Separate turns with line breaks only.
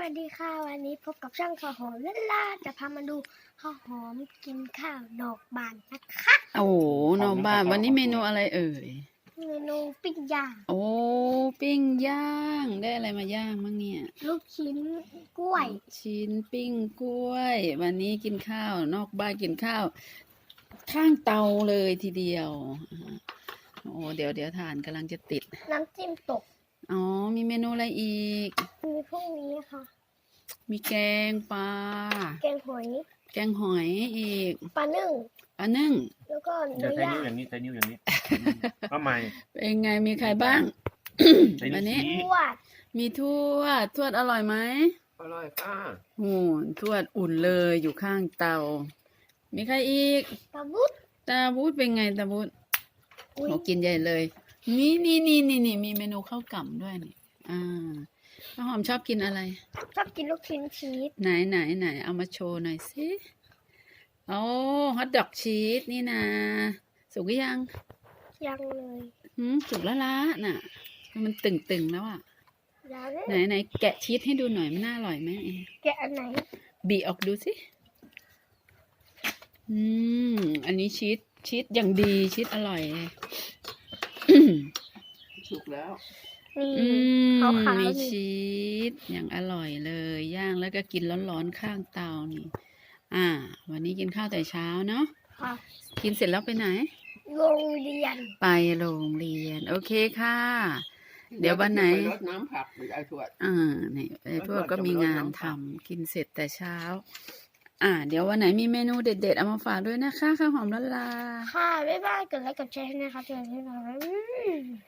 วัสดีค่ะวันนี้พบกับช่างข้าวหอมและล่าจะพามาดูข้าวหอมกินข้าวดอกบานนะคะ
โอ้โหน้องบ้านวันนี้เมนูอะไรเอ่ย
เมนูปิ้งย่าง
โอ้ปิ้งย่างได้อะไรมาย่างบ้างเนี่ย
ลูกชิ้นกล้วย
ชิ้นปิ้งกล้วย วันนี้กินข้าวนอกบ้านกินข้าว ข้างเตาเลยทีเดียวโอ้เดี๋ยวทานกำลังจะติด
น้ำจิ้มตก
อ๋อมีเมนูอะไรอีก
มีพวกนี้ค่ะ
มีแกงปลา
แกงหอย
แกงหอยอีก
ปลานึ่ง
ปลานึ่ง
แล้วก็
เดี๋ยว
เนื้อ
ใช้
ย่า
นิ้ว
ง
อย่างนี้ใช้นิ้วอย่างนี้ก็ไม่
เป็นไงมีใครบ้าง
ใช้
วัน
นิ้
นี้
วชี้
ทวด
มีทวดอร่อยไหม
อร่อยค่ะ
โอ้ทวดอุ่นเลยอยู่ข้างเตา มีใครอีก
ปลาบุด
ตาบูดเป็นไงตาบูด
อุ๊ย
โหกินใหญ่เลย นี่มีเมนูข้าวกล่ำด้วยนี่ข้าวหอมชอบกินอะไร
ชอบกินลูกชิ้นชีส
ไหนเอามาโชว์หน่อยสิโอ้ฮอทดอกชีสนี่นะสุกหรือยัง
ยังเลย
สุกแล้วละน่ะ มันตึงแล้วอ่ะ
ยังเลย
ไหนแกะชีสให้ดูหน่อยมันน่าอร่อยไหม
แกะอันไหน
บีออกดูสิอันนี้ชีสอย่างดีชีสอร่อย
สุกแล้ว
นี่
ม
ขาวๆ
มี
นี่
ชีสอย่างอร่อยเลยย่างแล้วก็กินร้อนๆข้างเตานี่ วันนี้กินข้าวแต่เช้าเนาะ
ค่ะ
กินเสร็จแล้วไปไหน
โรงเรียน
ไปโรงเรียน โอเคค่ะ เดี๋ยววันไหน
รดน้ำผักหรือไอ้ทวด
นี่ไอ้พวกก็มีงานทำกินเสร็จแต่เช้า เดี๋ยววันไหนมีเมนูเด็ดๆเอามาฝากด้วยนะคะข้าวหอมละลา
ค่ะบ๊ายบายกดไลค์กดแชร์ให้นะครับเจอกันที่ไหน